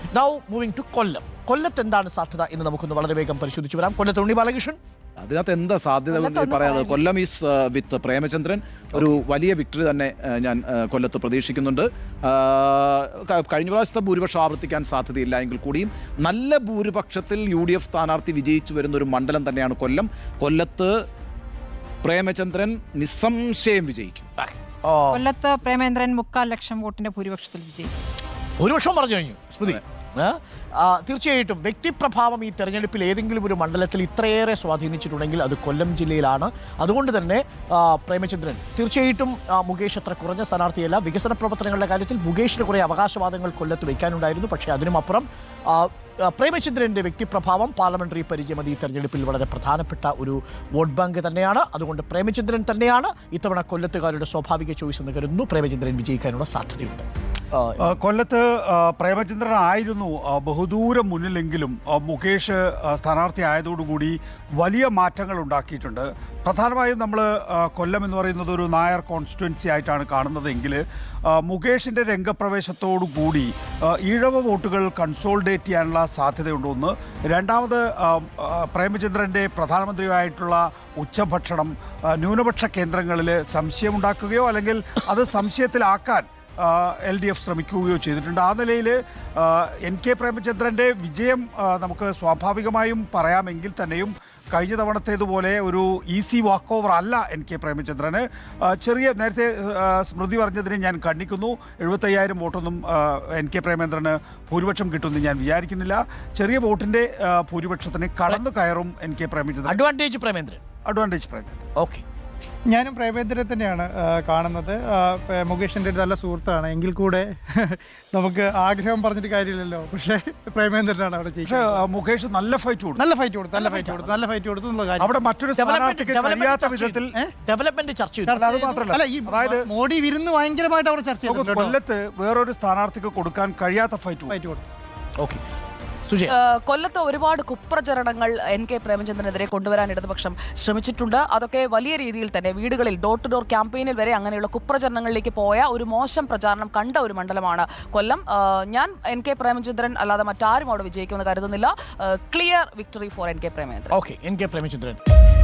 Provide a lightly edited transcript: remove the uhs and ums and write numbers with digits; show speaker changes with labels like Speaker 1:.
Speaker 1: Now moving to കൊല്ലം. കൊല്ലത്ത് എന്താണ് സാധ്യത എന്ന് നമുക്കൊന്ന് വളരെ വേഗം പരിശോധിച്ചു വരാം. കൊല്ലത്ത് ഉണ്ണി ബാലകൃഷ്ണൻ.
Speaker 2: അതിനകത്ത് എന്താ സാധ്യത പറയാനുള്ളത്? കൊല്ലം ഈസ് വിത്ത് പ്രേമചന്ദ്രൻ ഒരു വലിയ വിക്ടറി തന്നെ ഞാൻ കൊല്ലത്ത് പ്രതീക്ഷിക്കുന്നുണ്ട്. കഴിഞ്ഞ പ്രാവശ്യത്തെ ഭൂരിപക്ഷം ആവർത്തിക്കാൻ സാധ്യതയില്ല എങ്കിൽ കൂടിയും നല്ല ഭൂരിപക്ഷത്തിൽ UDF സ്ഥാനാർത്ഥി വിജയിച്ചു വരുന്ന ഒരു മണ്ഡലം തന്നെയാണ് കൊല്ലം. കൊല്ലത്ത് പ്രേമചന്ദ്രൻ നിസ്സംശയം വിജയിക്കും.
Speaker 3: കൊല്ലത്ത് പ്രേമേന്ദ്രൻ 3.25 ലക്ഷം വോട്ടിന്റെ ഭൂരിപക്ഷത്തിൽ വിജയിക്കും.
Speaker 1: ഭൂരിപക്ഷം പറഞ്ഞു കഴിഞ്ഞു സ്മൃതി. തീർച്ചയായിട്ടും വ്യക്തിപ്രഭാവം ഈ തെരഞ്ഞെടുപ്പിൽ ഏതെങ്കിലും ഒരു മണ്ഡലത്തിൽ ഇത്രയേറെ സ്വാധീനിച്ചിട്ടുണ്ടെങ്കിൽ അത് കൊല്ലം ജില്ലയിലാണ്. അതുകൊണ്ട് തന്നെ പ്രേമചന്ദ്രൻ തീർച്ചയായിട്ടും മുകേഷ് അത്ര കുറഞ്ഞ സ്ഥാനാർത്ഥിയല്ല. വികസന പ്രവർത്തനങ്ങളുടെ കാര്യത്തിൽ മുകേഷിന് കുറേ അവകാശവാദങ്ങൾ കൊല്ലത്ത് വയ്ക്കാനുണ്ടായിരുന്നു. പക്ഷേ അതിനുമപ്പുറം പ്രേമചന്ദ്രൻ്റെ വ്യക്തിപ്രഭാവം, പാർലമെന്ററി പരിചയം ഈ തെരഞ്ഞെടുപ്പിൽ വളരെ പ്രധാനപ്പെട്ട ഒരു വോട്ട് ബാങ്ക് തന്നെയാണ്. അതുകൊണ്ട് പ്രേമചന്ദ്രൻ തന്നെയാണ് ഇത്തവണ കൊല്ലത്തുകാരുടെ സ്വാഭാവിക ചോയ്സ് എന്ന് കരുതുന്നു. പ്രേമചന്ദ്രൻ വിജയിക്കാനുള്ള സാധ്യതയുണ്ട്.
Speaker 4: കൊല്ലത്ത് പ്രേമചന്ദ്രൻ ആയിരുന്നു ബഹുദൂരം മുന്നിലെങ്കിലും മുകേഷ് സ്ഥാനാർത്ഥി ആയതോടുകൂടി വലിയ മാറ്റങ്ങൾ ഉണ്ടാക്കിയിട്ടുണ്ട്. പ്രധാനമായും നമ്മൾ കൊല്ലം എന്ന് പറയുന്നത് ഒരു നായർ കോൺസ്റ്റിറ്റ്യുവൻസി ആയിട്ടാണ് കാണുന്നതെങ്കിൽ മുകേഷിൻ്റെ രംഗപ്രവേശത്തോടു കൂടി ഈഴവ വോട്ടുകൾ കൺസോൾഡേറ്റ് ചെയ്യാനുള്ള സാധ്യതയുണ്ട്. ഒന്ന്. രണ്ടാമത് പ്രേമചന്ദ്രൻ്റെ പ്രധാനമന്ത്രിയായിട്ടുള്ള ഉച്ചഭക്ഷണം ന്യൂനപക്ഷ കേന്ദ്രങ്ങളിൽ സംശയമുണ്ടാക്കുകയോ അല്ലെങ്കിൽ അത് സംശയത്തിലാക്കാൻ LDF ശ്രമിക്കുകയോ ചെയ്തിട്ടുണ്ട്. ആ നിലയിൽ NK പ്രേമചന്ദ്രൻ്റെ വിജയം നമുക്ക് സ്വാഭാവികമായും പറയാമെങ്കിൽ തന്നെയും കഴിഞ്ഞ തവണത്തേതുപോലെ ഒരു ഈസി വാക്ക് ഓവർ അല്ല NK പ്രേമചന്ദ്രന്. നേരത്തെ സ്മൃതി പറഞ്ഞതിനെ ഞാൻ ഖണ്ഡിക്കുന്നു. 75,000 വോട്ടൊന്നും NK പ്രേമചന്ദ്രന് ഭൂരിപക്ഷം കിട്ടുമെന്ന് ഞാൻ വിചാരിക്കുന്നില്ല. ചെറിയ വോട്ടിൻ്റെ ഭൂരിപക്ഷത്തിന് കടന്നു കയറും NK Premachandran.
Speaker 1: Advantage Premendran. Okay.
Speaker 5: ഞാനും പ്രേമേന്ദ്രനെ തന്നെയാണ് കാണുന്നത്. മുകേഷിൻ്റെ ഒരു നല്ല സുഹൃത്താണ് എങ്കിൽ കൂടെ നമുക്ക് ആഗ്രഹം പറഞ്ഞിട്ട് കാര്യമില്ലല്ലോ. പക്ഷേ പ്രേമേന്ദ്രനാണ് അവിടെ ചെയ്യുന്നത്.
Speaker 4: മുകേഷ് നല്ല ഫൈറ്റ്
Speaker 5: കൊടുത്തു എന്നുള്ള കാര്യം
Speaker 4: അവിടെ മറ്റൊരു സ്ഥാനാർത്ഥിക്ക് കഴിയാത്ത വിധത്തിൽ
Speaker 1: ഡെവലപ്മെന്റ് ചർച്ച ചെയ്തു.
Speaker 4: അത് മാത്രമല്ല,
Speaker 5: അതായത് മോഡി വിരുന്ന് ഭയങ്കരമായിട്ട് അവിടെ ചർച്ച ചെയ്തു.
Speaker 4: കൊല്ലത്ത് വേറൊരു സ്ഥാനാർത്ഥിക്ക് കൊടുക്കാൻ കഴിയാത്ത ഫൈറ്റ് കൊടുത്തു.
Speaker 1: ഓക്കെ.
Speaker 6: കൊല്ലത്ത് ഒരുപാട് കുപ്രചരണങ്ങൾ NK പ്രേമചന്ദ്രനെതിരെ കൊണ്ടുവരാൻ ഇടതുപക്ഷം ശ്രമിച്ചിട്ടുണ്ട്. അതൊക്കെ വലിയ രീതിയിൽ തന്നെ വീടുകളിൽ ഡോർ ടു ഡോർ ക്യാമ്പയിനിൽ വരെ അങ്ങനെയുള്ള കുപ്രചരണങ്ങളിലേക്ക് പോയ ഒരു മോശം പ്രചാരണം കണ്ട ഒരു മണ്ഡലമാണ് കൊല്ലം. ഞാൻ NK പ്രേമചന്ദ്രൻ അല്ലാതെ മറ്റാരും അവിടെ വിജയിക്കുമെന്ന് കരുതുന്നില്ല. Clear victory for NK Premachandran.
Speaker 1: Okay. NK Premachandran.